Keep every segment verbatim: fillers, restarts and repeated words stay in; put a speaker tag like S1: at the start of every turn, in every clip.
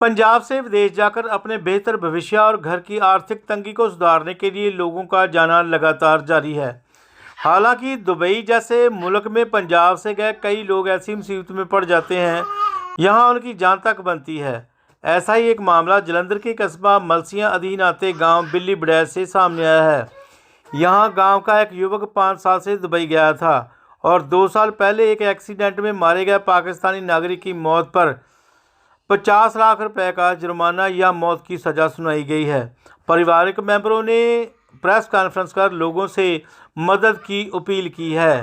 S1: पंजाब से विदेश जाकर अपने बेहतर भविष्य और घर की आर्थिक तंगी को सुधारने के लिए लोगों का जाना लगातार जारी है। हालांकि दुबई जैसे मुल्क में पंजाब से गए कई लोग ऐसी मुसीबत में पड़ जाते हैं यहां उनकी जान तक बनती है। ऐसा ही एक मामला जलंधर के कस्बा मलसियां अधीन आते गांव बिल्ली बड़ैच से सामने आया है। यहां गांव का एक युवक पाँच साल से दुबई गया था और दो साल पहले एक एक्सीडेंट में मारे गए पाकिस्तानी नागरिक की मौत पर पचास लाख रुपए का जुर्माना या मौत की सज़ा सुनाई गई है। पारिवारिक मेंबरों ने प्रेस कॉन्फ्रेंस कर लोगों से मदद की अपील की है।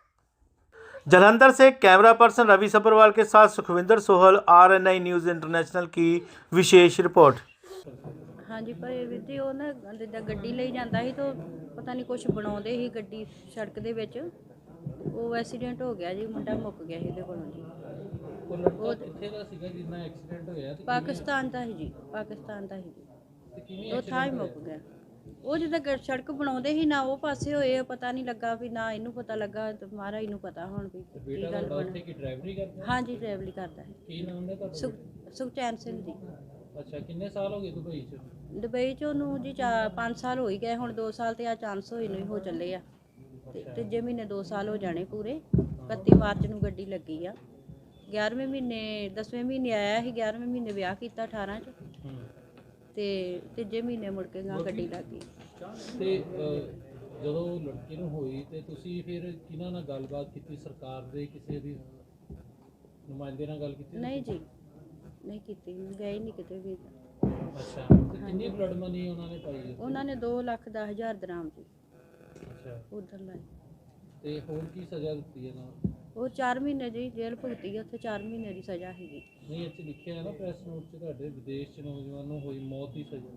S1: जलंधर से कैमरा पर्सन रवि सब्रवाल के साथ Sukhvinder Sohal, R N I news international की विशेष रिपोर्ट।
S2: हाँ जी, पर ਵੀਰ ਜੀ ਉਹ ਨਾ ਜਿੱਦਾਂ ਗੱਡੀ ਲਈ ਜਾਂਦਾ ਸੀ ਤਾਂ ਪਤਾ ਨਹੀਂ ਕੁਛ ਬਣਾਉਂਦੇ ਸੀ ਗੱਡੀ ਸੜਕ ਦੇ ਵਿੱਚ, ਉਹ ਐਕਸੀਡੈਂਟ ਹੋ ਗਿਆ ਜੀ, ਮੁੰਡਾ ਮੁੱਕ ਗਿਆ ਸੀ ਇਹਦੇ ਕੋਲੋਂ ਜੀ।
S3: ਉਹ ਕਿੱਥੇ ਦਾ ਸੀਗਾ ਜਿੰਨਾ ਐਕਸੀਡੈਂਟ ਹੋਇਆ?
S2: ਪਾਕਿਸਤਾਨ ਦਾ ਸੀ ਜੀ, ਪਾਕਿਸਤਾਨ ਦਾ ਸੀ ਜੀ। ਉਹ ਥਾਂ ਹੀ ਮੁੱਕ ਗਿਆ। ਉਹ ਜਿੱਦਾਂ ਗ- ਸੜਕ ਬਣਾਉਂਦੇ ਸੀ ਨਾ ਉਹ ਪਾਸੇ ਹੋਏ, ਪਤਾ ਨਹੀਂ ਲੱਗਾ ਵੀ ਨਾ ਇਹਨੂੰ ਪਤਾ ਲੱਗਾ ਤੇ ਮਹਾਰਾਜ ਨੂੰ ਪਤਾ ਹੁਣ ਵੀ ਕੀ ਗੱਲ
S3: ਬੇਟਾ
S2: ਬਣ।
S3: ਉੱਥੇ ਕੀ ਡਰਾਈਵਰੀ ਕਰਦਾ?
S2: ਹਾਂ ਜੀ, ਡਰਾਈਵਰੀ ਕਰਦਾ ਹੈ।
S3: ਕੀ ਨਾਮ ਹੈ ਤੁਹਾਡਾ?
S2: ਸੁਖ ਸੁਖਚੈਨ ਸਿੰਘ ਜੀ।
S3: ਅੱਛਾ, ਕਿੰਨੇ ਸਾਲ ਹੋ ਗਏ ਦੁਬਈ ਚ?
S2: ਦੁਬਈ 'ਚ ਉਹਨੂੰ ਜੀ ਚਾਰ ਪੰਜ ਸਾਲ ਹੋ ਹੀ ਗਏ, ਹੁਣ ਦੋ ਸਾਲ ਤੇ ਆ ਚਾਂਸ ਹੋਏ ਨੂੰ ਹੀ ਹੋ ਚੱਲੇ ਆ ਤੇ ਤੀਜੇ ਮਹੀਨੇ ਦੋ ਸਾਲ ਹੋ ਜਾਣੇ ਪੂਰੇ। ਇਕੱਤੀ ਮਾਰਚ ਨੂੰ ਗੱਡੀ ਲੱਗੀ ਆ। ਗਿਆਰ੍ਹਵੇਂ ਮਹੀਨੇ ਦਸਵੇਂ ਮਹੀਨੇ ਆਇਆ ਸੀ, ਗਿਆਰ੍ਹਵੇਂ ਮਹੀਨੇ ਵਿਆਹ ਕੀਤਾ ਅਠਾਰਾਂ 'ਚ ਤੇ ਤੀਜੇ ਮਹੀਨੇ ਮੁੜ ਕੇ ਗਾਂ ਗੱਡੀ ਲੱਗ ਗਈ।
S3: ਤੇ ਅਹ, ਜਦੋਂ ਲੜਕੀ ਨੂੰ ਹੋਈ ਤੇ ਤੁਸੀਂ ਫਿਰ ਕਿਹਨਾਂ ਨਾਲ ਗੱਲਬਾਤ ਕੀਤੀ? ਸਰਕਾਰ ਦੇ ਕਿਸੇ ਦੀ ਨੁਮਾਇੰਦੇ ਨਾਲ ਗੱਲ ਕੀਤੀ?
S2: ਨਹੀਂ ਜੀ, ਨਹੀਂ ਕੀਤੀ, ਗਏ ਨਹੀਂ ਕਿਤੇ ਵੀ।
S3: ਅੱਛਾ, ਤੇ ਕਿੰਨੀ ਬਲੱਡ ਮਨੀ ਉਹਨਾਂ ਨੇ ਪਾਈ?
S2: ਉਹਨਾਂ ਨੇ ਦੋ ਲੱਖ ਦਸ ਹਜ਼ਾਰ ਦਰਾਮ ਜੀ
S3: ਅੱਛਾ,
S2: ਉਧਰ ਲਾਈ।
S3: ਤੇ ਹੋਰ ਕੀ ਸਜ਼ਾ ਦਿੱਤੀ ਇਹਨਾਂ ਨੂੰ?
S2: ਉਹ ਚਾਰ ਮਹੀਨੇ ਜੀ ਜੇਲ੍ਹ ਭੁਗਤੀ ਆ, ਉੱਥੇ ਚਾਰ ਮਹੀਨੇ ਦੀ ਸਜ਼ਾ ਸੀਗੀ।
S3: ਨਹੀਂ, ਇੱਥੇ ਲਿਖਿਆ ਹੈ ਨਾ ਪ੍ਰੈਸ ਨੋਟ 'ਚ ਤੁਹਾਡੇ ਵਿਦੇਸ਼ 'ਚ ਨੌਜਵਾਨ ਨੂੰ ਹੋਈ ਮੌਤ ਦੀ ਸਜ਼ਾ।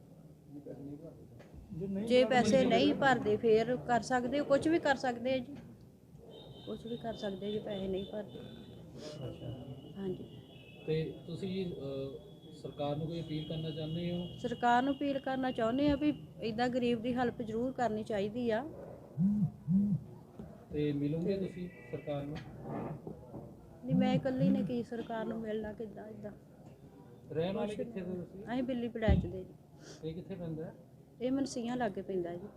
S2: ਜੇ ਪੈਸੇ ਨਹੀਂ ਭਰਦੇ ਫੇਰ ਕਰ ਸਕਦੇ ਹੋ, ਕੁਝ ਵੀ ਕਰ ਸਕਦੇ ਆ ਜੀ, ਕੁਝ ਵੀ ਕਰ ਸਕਦੇ ਆ ਜੇ ਪੈਸੇ ਨਹੀਂ ਭਰਦੇ।
S3: ਅੱਛਾ,
S2: ਹਾਂਜੀ,
S3: ਤੇ ਤੁਸੀਂ ਅਹ, ਸਰਕਾਰ ਨੂੰ ਕੋਈ ਅਪੀਲ ਕਰਨਾ ਚਾਹੁੰਦੇ ਹੋ?
S2: ਸਰਕਾਰ ਨੂੰ ਅਪੀਲ ਕਰਨਾ ਚਾਹੁੰਦੇ ਆ ਵੀ ਇਦਾਂ ਗਰੀਬ ਦੀ ਹੈਲਪ ਜ਼ਰੂਰ ਕਰਨੀ ਚਾਹੀਦੀ ਆ।
S3: ਤੇ ਮਿਲੋਗੇ ਤੁਸੀਂ ਸਰਕਾਰ ਨੂੰ?
S2: ਨਹੀਂ, ਮੈਂ ਇਕੱਲੀ ਨੇ ਕੀ ਸਰਕਾਰ ਨੂੰ ਮਿਲਣਾ, ਕਿੱਦਾਂ ਇਦਾਂ।
S3: ਰਹਿਣ ਵਾਲੇ ਕਿੱਥੇ ਦੇ ਤੁਸੀਂ?
S2: ਅਸੀਂ ਬਿੱਲੀ ਪੜੈਚ ਦੇ ਜੀ।
S3: ਇਹ ਕਿੱਥੇ ਪੈਂਦਾ ਹੈ?
S2: ਇਹ ਮਨਸੀਆਂ ਲਾਗੇ ਪੈਂਦਾ ਜੀ।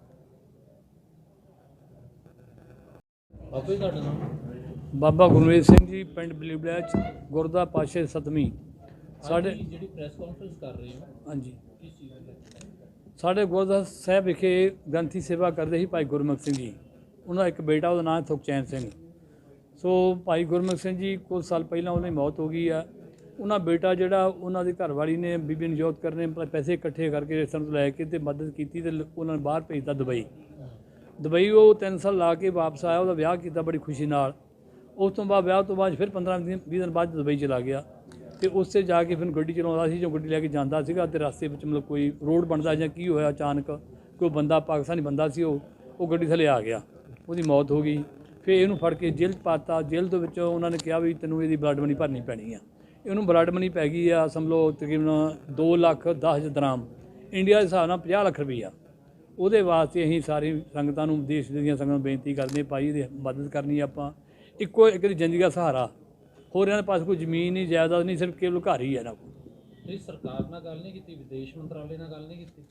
S3: ਬਾਬਾ ਜੀ ਤੁਹਾਡਾ ਨਾਮ?
S4: ਬਾਬਾ ਗੁਰਮੀਤ ਸਿੰਘ ਜੀ, ਪਿੰਡ ਬਿੱਲੀ ਬੜੈਚ, ਗੁਰਦਾ ਪਾਸ਼ੇ ਸਤਵੀਂ। ਸਾਡੇ
S3: ਅੱਜ ਜਿਹੜੀ ਪ੍ਰੈਸ ਕਾਨਫਰੰਸ ਕਰ ਰਹੇ ਹੋ,
S4: ਹਾਂਜੀ,
S3: ਕਿਸ ਚੀਜ਼ ਦੀ?
S4: ਸਾਡੇ ਗੁਰਦੁਆਰਾ ਸਾਹਿਬ ਵਿਖੇ ਗ੍ਰੰਥੀ ਸੇਵਾ ਕਰਦੇ ਸੀ ਭਾਈ ਗੁਰਮੁਖ ਸਿੰਘ ਜੀ। ਉਹਨਾਂ ਦਾ ਇੱਕ ਬੇਟਾ, ਉਹਦਾ ਨਾਮ ਸੁਖਚੈਨ ਸਿੰਘ। ਸੋ ਭਾਈ ਗੁਰਮੁਖ ਸਿੰਘ ਜੀ ਕੁਝ ਸਾਲ ਪਹਿਲਾਂ ਉਹਨਾਂ ਦੀ ਮੌਤ ਹੋ ਗਈ ਆ। ਉਹਨਾਂ ਬੇਟਾ ਜਿਹੜਾ ਉਹਨਾਂ ਦੀ ਘਰਵਾਲੀ ਨੇ ਬੀਬੀ ਨਜੋਤ ਕਰ ਨੇ ਪੈਸੇ ਇਕੱਠੇ ਕਰਕੇ ਰਿਸ਼ਤੇਦਾਰਾਂ ਤੋਂ ਲੈ ਕੇ ਤੇ ਮਦਦ ਕੀਤੀ ਤੇ ਉਹਨਾਂ ਨੇ ਬਾਹਰ ਭੇਜਤਾ ਦੁਬਈ। ਦੁਬਈ ਉਹ ਤਿੰਨ ਸਾਲ ਲਾ ਕੇ ਵਾਪਸ ਆਇਆ, ਉਹਦਾ ਵਿਆਹ ਕੀਤਾ ਬੜੀ ਖੁਸ਼ੀ ਨਾਲ। ਉਸ ਤੋਂ ਬਾਅਦ ਵਿਆਹ ਤੋਂ ਬਾਅਦ ਫਿਰ ਪੰਦਰਾਂ ਦਿਨ ਵੀਹ ਦਿਨ ਬਾਅਦ ਦੁਬਈ ਚਲਾ ਗਿਆ ਤੇ ਉੱਥੇ ਜਾ ਕੇ ਫਿਰ ਗੱਡੀ ਚਲਾਉਂਦਾ ਸੀ। ਜੋ ਗੱਡੀ ਲੈ ਕੇ ਜਾਂਦਾ ਸੀਗਾ ਤੇ ਰਸਤੇ ਵਿੱਚ ਮਤਲਬ ਕੋਈ ਰੋਡ ਬਣਦਾ ਜਾਂ ਕੀ ਹੋਇਆ, ਅਚਾਨਕ ਕੋਈ ਬੰਦਾ ਪਾਕਿਸਤਾਨੀ ਬੰਦਾ ਸੀ, ਉਹ ਉਹ ਗੱਡੀ ਥੱਲੇ ਆ ਗਿਆ, ਉਹਦੀ ਮੌਤ ਹੋ ਗਈ। ਫਿਰ ਇਹਨੂੰ ਫੜ ਕੇ ਜੇਲ੍ਹ 'ਚ ਪਾਤਾ। ਜੇਲ੍ਹ ਦੇ ਵਿੱਚੋਂ ਉਹਨਾਂ ਨੇ ਕਿਹਾ ਵੀ ਤੈਨੂੰ ਇਹਦੀ ਬਲੱਡ ਮਨੀ ਭਰਨੀ ਪੈਣੀ ਆ। ਇਹਨੂੰ ਬਲੱਡ ਮਨੀ ਪੈ ਗਈ ਆ ਸਮਝੋ ਤਕਰੀਬਨ ਦੋ ਲੱਖ ਦਸ ਹਜ਼ਾਰ ਦਰਾਮ, ਇੰਡੀਆ ਦੇ ਹਿਸਾਬ ਨਾਲ ਪੰਜਾਹ ਲੱਖ ਰੁਪਈਆ। ਉਹਦੇ ਵਾਸਤੇ ਅਸੀਂ ਸਾਰੀ ਸੰਗਤਾਂ ਨੂੰ, ਦੇਸ਼ ਦੀਆਂ ਸੰਗਤਾਂ ਨੂੰ ਬੇਨਤੀ ਕਰਦੇ ਹਾਂ, ਭਾਈ ਇਹਦੀ ਮਦਦ ਕਰਨੀ ਆਪਾਂ। ਇੱਕੋ ਇੱਕ ਦੀ ਜ਼ਿੰਦਗੀ ਦਾ ਸਹਾਰਾ, ਹੋਰ ਇਹਨਾਂ ਦੇ ਪਾਸ ਕੋਈ ਜ਼ਮੀਨ ਨਹੀਂ, ਜਾਇਦਾਦ ਨਹੀਂ, ਸਿਰਫ ਕੇਵਲ ਘਰ ਹੀ ਹੈ ਇਹਨਾਂ ਕੋਲ।
S3: ਨਹੀਂ, ਸਰਕਾਰ ਨਾਲ ਗੱਲ ਨਹੀਂ ਕੀਤੀ? ਵਿਦੇਸ਼ ਮੰਤਰਾਲੇ ਨਾਲ ਗੱਲ ਨਹੀਂ ਕੀਤੀ?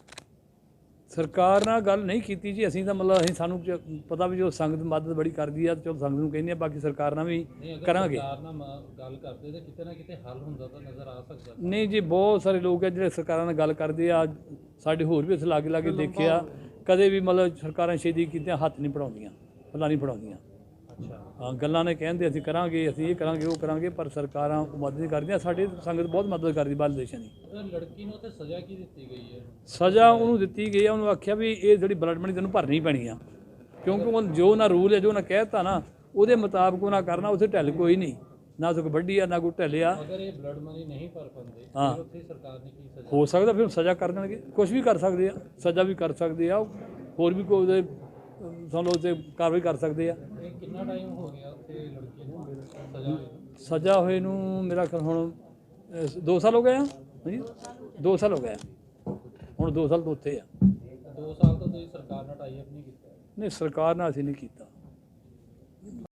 S4: ਸਰਕਾਰ ਨਾਲ ਗੱਲ ਨਹੀਂ ਕੀਤੀ ਜੀ। ਅਸੀਂ ਤਾਂ ਮਤਲਬ ਅਸੀਂ ਸਾਨੂੰ ਜ- ਪਤਾ ਵੀ ਜੋ ਸੰਗਤ ਮਦਦ ਬੜੀ ਕਰਦੀ ਆ, ਚਲੋ ਸੰਗਤ ਨੂੰ ਕਹਿੰਦੇ ਆ, ਬਾਕੀ ਸਰਕਾਰ ਨਾਲ ਵੀ
S3: ਨਹੀਂ, ਅਗਰ
S4: ਕਰਾਂਗੇ।
S3: ਸਰਕਾਰ ਨਾਲ ਮ- ਗੱਲ ਕਰਦੇ ਤਾਂ ਕਿਤੇ ਨਾ ਕਿਤੇ ਹੱਲ ਹੁੰਦਾ ਤਾਂ ਨਜ਼ਰ ਆ ਸਕਦਾ।
S4: ਨਹੀਂ ਜੀ, ਬਹੁਤ ਸਾਰੇ ਲੋਕ ਆ ਜਿਹੜੇ ਸਰਕਾਰਾਂ ਨਾਲ ਗੱਲ ਕਰਦੇ ਆ। ਸਾਡੇ ਹੋਰ ਵੀ ਅਸੀਂ ਲਾਗੇ ਲਾਗੇ ਦੇਖਿਆ, ਕਦੇ ਵੀ ਮਤਲਬ ਸਰਕਾਰਾਂ ਛੇਤੀ ਕੀਤੀਆਂ ਹੱਥ ਨਹੀਂ ਪੜਾਉਂਦੀਆਂ, ਫਲਾਂ ਨਹੀਂ ਪੜਾਉਂਦੀਆਂ।
S3: ਅੱਛਾ,
S4: ਹਾਂ, ਗੱਲਾਂ ਨੇ ਕਹਿੰਦੇ ਅਸੀਂ ਕਰਾਂਗੇ, ਅਸੀਂ ਇਹ ਕਰਾਂਗੇ, ਉਹ ਕਰਾਂਗੇ, ਪਰ ਸਰਕਾਰਾਂ ਉਹ ਮਦਦ ਨਹੀਂ ਕਰਦੀਆਂ। ਸਾਡੀ ਸੰਗਤ ਬਹੁਤ ਮਦਦ ਕਰਦੀ ਬਾਹਰਲੇ ਦੇਸ਼ਾਂ ਦੀ।
S3: ਉਹ ਲੜਕੀ ਨੂੰ ਤੇ ਸਜ਼ਾ ਕੀ ਦਿੱਤੀ ਗਈ ਹੈ?
S4: ਸਜ਼ਾ ਉਹਨੂੰ ਦਿੱਤੀ ਗਈ ਆ, ਉਹਨੂੰ ਆਖਿਆ ਵੀ ਇਹ ਜਿਹੜੀ ਬਲੱਡ ਮਨੀ ਤੈਨੂੰ ਭਰਨੀ ਪੈਣੀ ਆ, ਕਿਉਂਕਿ ਉਹ ਜੋ ਨਾ ਰੂਲ ਹੈ, ਜੋ ਨਾ ਕਹਿਤਾ ਨਾ ਉਹਦੇ ਮੁਤਾਬਕ ਉਹਨਾਂ ਕਰਨਾ। ਉੱਥੇ ਢਿੱਲ ਕੋਈ ਨਹੀਂ, ਨਾ ਕੋਈ ਵੱਡੀ ਆ ਨਾ ਕੋਈ ਢਿੱਲਿਆ।
S3: ਅਗਰ ਇਹ ਬਲੱਡ ਮਨੀ ਨਹੀਂ ਭਰ ਪਾਉਂਦੇ
S4: ਹਾਂ,
S3: ਫਿਰ ਉੱਥੇ ਸਰਕਾਰ ਨੇ ਕੀ ਸਜ਼ਾ?
S4: ਹੋ ਸਕਦਾ ਫਿਰ ਸਜ਼ਾ ਕਰ ਦੇਣਗੇ, ਕੁਝ ਵੀ ਕਰ ਸਕਦੇ ਆ, ਸਜ਼ਾ ਵੀ ਕਰ ਸਕਦੇ ਆ, ਹੋਰ ਵੀ ਕੋਈ ਉਹਦੇ ਸਾਨੂੰ ਉਹਦੇ ਕਾਰਵਾਈ ਕਰ ਸਕਦੇ ਆ।
S3: ਇਹ ਕਿੰਨਾ ਟਾਈਮ ਹੋ ਗਿਆ ਉੱਥੇ ਲੜਕੀ ਨੂੰ ਸਜ਼ਾ ਹੋਈ?
S4: ਸਜ਼ਾ ਹੋਏ ਨੂੰ ਮੇਰਾ ਖਿਆਲ ਹੁਣ ਅਹ, ਦੋ ਸਾਲ ਹੋ ਗਏ ਆ। ਹਾਂਜੀ, ਦੋ ਸਾਲ ਹੋ ਗਏ ਆ। ਹੁਣ ਦੋ ਸਾਲ ਤੋਂ ਉੱਥੇ ਆ।
S3: ਦੋ ਸਾਲ ਤੋਂ ਤੁਸੀਂ ਸਰਕਾਰ ਨਾਲ ਟਾਈ ਅਪ ਨਹੀਂ ਕੀਤਾ?
S4: ਨਹੀਂ, ਸਰਕਾਰ ਨਾਲ ਅਸੀਂ ਨਹੀਂ ਕੀਤਾ।